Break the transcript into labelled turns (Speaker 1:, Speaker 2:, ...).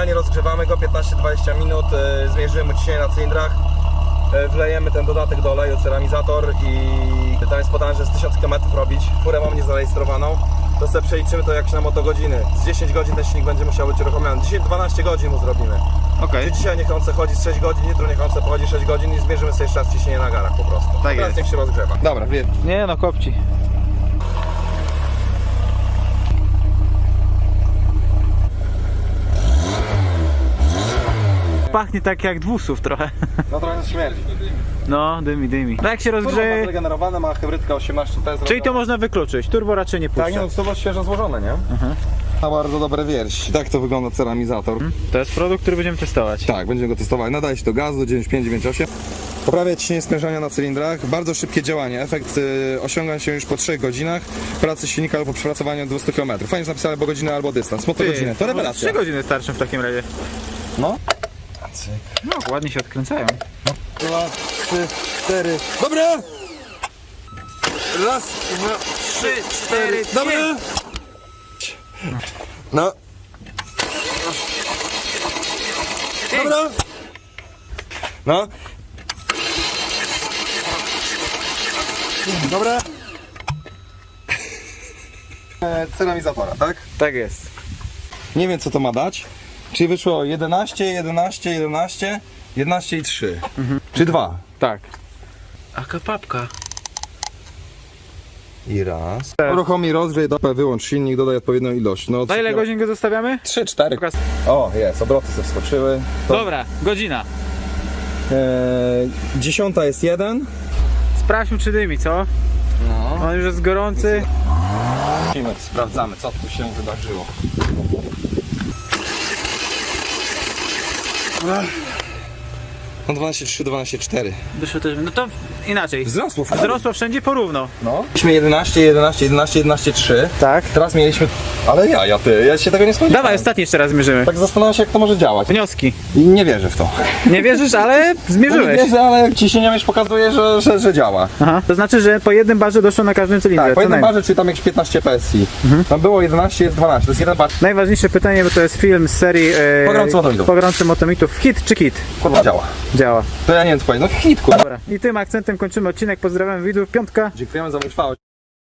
Speaker 1: Generalnie rozgrzewamy go 15-20 minut, zmierzymy ciśnienie na cylindrach, wlejemy ten dodatek do oleju, ceramizator i tam jest podane, że z 1000 km robić. Furę mam niezarejestrowaną, to sobie przeliczymy to jak na motogodziny. Z 10 godzin ten silnik będzie musiał być uruchomiony. Dzisiaj 12 godzin mu zrobimy.
Speaker 2: Okej.
Speaker 1: Dzisiaj niech on se chodzi z 6 godzin, jutro niech on se pochodzi 6 godzin i zmierzymy sobie jeszcze raz ciśnienie na garach po prostu.
Speaker 2: Tak
Speaker 1: Teraz
Speaker 2: jest.
Speaker 1: niech się rozgrzewa. Dobra, wie.
Speaker 2: Nie no, kopci. Pachnie tak jak 200 trochę.
Speaker 1: No trochę śmierdzi.
Speaker 2: No, dymi. No jak się
Speaker 1: Turbo ma
Speaker 2: rozgrzeje...
Speaker 1: zregenerowane, ma hybrydkę 18T.
Speaker 2: Czyli to można wykluczyć, turbo raczej nie puszcza.
Speaker 1: Tak, no to jest świeżo złożone, nie? Ma bardzo dobre wierś. Tak to wygląda ceramizator.
Speaker 2: To jest produkt, który będziemy testować.
Speaker 1: Tak, będziemy go testowali. Nadaje się do gazu 95-98. Poprawia ciśnienie sprężania na cylindrach. Bardzo szybkie działanie. Efekt osiąga się już po 3 godzinach pracy silnika lub po przepracowaniu 200 km. Fajnie, że napisane albo godzinę, albo dystans. Motogodziny. To rewelacja.
Speaker 2: 3 godziny starczą w takim razie.
Speaker 1: No.
Speaker 2: No, ładnie się odkręcają.
Speaker 1: 2, 3, 4. Dobra! Raz, 2,
Speaker 2: 3, 4,
Speaker 1: dobra! No. Dobra! No. Dobra. Ceramizatora, tak?
Speaker 2: Tak jest.
Speaker 1: Nie wiem co to ma dać. Czyli wyszło 11, 11, 11, 11 i 3. Czy 2.
Speaker 2: Tak. Aka papka.
Speaker 1: I raz. Uruchomi rozgrzej, wyłącz silnik, dodaj odpowiednią ilość. No,
Speaker 2: Na ile godzin go zostawiamy?
Speaker 1: 3, 4. O, jest, obroty sobie wskoczyły.
Speaker 2: Dobra, godzina.
Speaker 1: 10 jest 1.
Speaker 2: Sprawdźmy czy dymi, co?
Speaker 1: No.
Speaker 2: On już jest gorący.
Speaker 1: Sprawdzamy co tu się wydarzyło. No 12,3, 12,4.
Speaker 2: Wyszło też, no to inaczej.
Speaker 1: Wzrosło.
Speaker 2: Wzrosło wszędzie porówno.
Speaker 1: No. Mieliśmy 11, 11, 11, 11, 3.
Speaker 2: Tak.
Speaker 1: Teraz mieliśmy... Ale ja się tego nie spodziewałem.
Speaker 2: Dawaj, ostatni jeszcze raz zmierzymy.
Speaker 1: Tak zastanawiam się jak to może działać.
Speaker 2: Wnioski.
Speaker 1: I nie wierzę w to.
Speaker 2: Nie wierzysz, ale
Speaker 1: Nie
Speaker 2: zmierzyłeś.
Speaker 1: wierzę, ale ciśnienie już pokazuje, że działa.
Speaker 2: Aha. To znaczy, że po jednym barze doszło na każdym cylindrze.
Speaker 1: Tak, po
Speaker 2: co
Speaker 1: jednym
Speaker 2: najmniej.
Speaker 1: barze, czyli tam jakieś 15 PSI. Tam było 11, jest 12. To jest jeden bar.
Speaker 2: Najważniejsze pytanie, bo to jest film z serii
Speaker 1: Pogromcy Motomitów.
Speaker 2: Pogromcy Motomitów. Hit czy kit?
Speaker 1: Kurwa działa.
Speaker 2: Działa.
Speaker 1: To ja nie wiem co powiedzieć. No hit, kurwa.
Speaker 2: Dobra. I tym akcentem kończymy odcinek. Pozdrawiam widzów. Piątka.
Speaker 1: Dziękujemy za utrwałość.